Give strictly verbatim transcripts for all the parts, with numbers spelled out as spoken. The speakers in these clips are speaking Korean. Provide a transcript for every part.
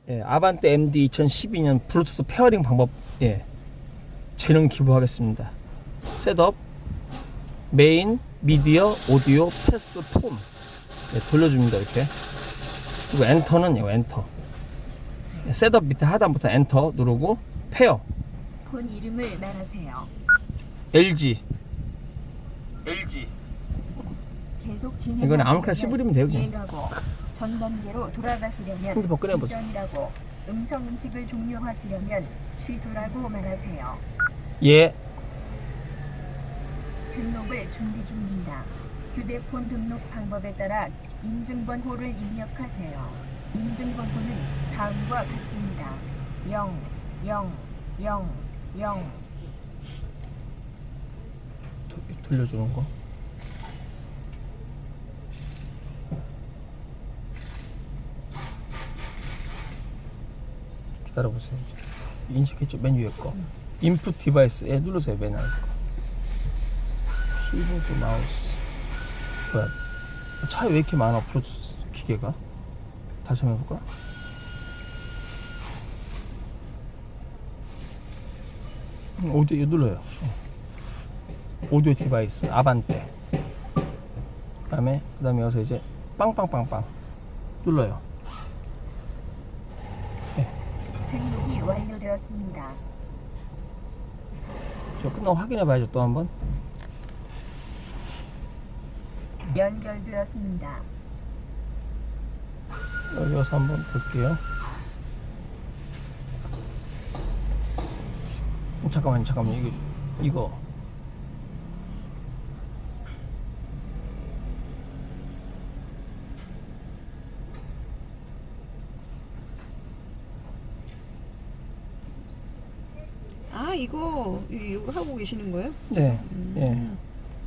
예, 아반떼 엠디 이천십이 년 블루투스 페어링 방법, 예, 재능 기부하겠습니다. 셋업, 메인, 미디어, 오디오, 패스, 폼, 예, 돌려줍니다. 이렇게. 그리고 엔터는 이거 엔터. 예, 셋업 밑에 하단부터 엔터 누르고 페어. 폰 이름을 말하세요. 엘지. 엘지. 계속 진행. 이거는 아무렇게나 씹으리면 돼요, 그냥. 이해가고 전 단계로 돌아가시려면 핸드폰 꺼내보세요. 이전이라고, 음성 인식을 종료하시려면 취소라고 말하세요. 예. 등록을 준비 중입니다. 휴대폰 등록 방법에 따라 인증번호를 입력하세요. 인증번호는 다음과 같습니다. 영, 영, 영, 영. 도, 돌려주는 거. 기다려보세요. 인식했죠? 맨 위에 거. 인풋 디바이스에 누르세요. 맨 아래 거. 키보드, 마우스. 뭐야? 차에 왜 이렇게 많아? 블루투스 기계가? 다시 한번 해볼까? 음, 오디오 이거 눌러요. 오디오 디바이스 아반떼. 그다음에 그다음에 여기서 이제 빵빵빵빵 눌러요. 등록이 완료되었습니다. 저 끝나고 확인해 봐야죠. 또 한번. 연결되었습니다. 여기 와서 한번 볼게요. 어, 잠깐만요, 잠깐만요. 이거, 이거. 아 이거 이거 하고 계시는 거예요? 네, 음. 예.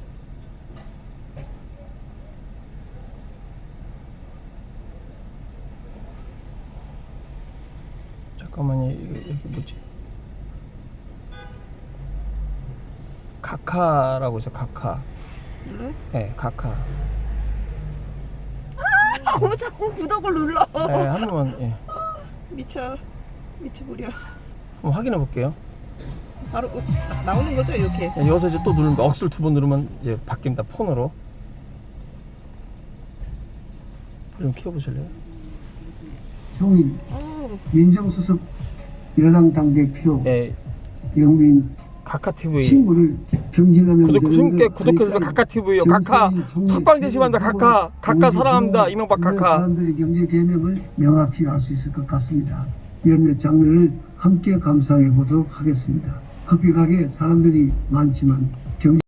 잠깐만요, 이거 여기 뭐지? 카카라고 있어, 카카. 눌러요? 네, 카카. 아, 뭐 자꾸 구독을 눌러. 네, 한 번만, 예. 미쳐 미쳐버려. 한번 확인해 볼게요. 바로 나오는 거죠 이렇게. 네, 여기서 이제 또 누르면, 억수를 두 번 누르면 이제 바뀝니다, 폰으로. 좀 키워보실래요? 총인 어, 민정수석 여당 당대표 네, 영민 카카티비. 친구를 경질하면 구독, 되는 숨게 것 구독해주세요. 하니까 카카티비요. 카카. 정세인 총리 석방되시면 한다, 카카. 카카 사랑합니다. 이명박 모든 카카. 사람들의 경제 개념을 명확히 알 수 있을 것 같습니다. 몇몇 장면을 함께 감상해 보도록 하겠습니다. 급격하게 사람들이 많지만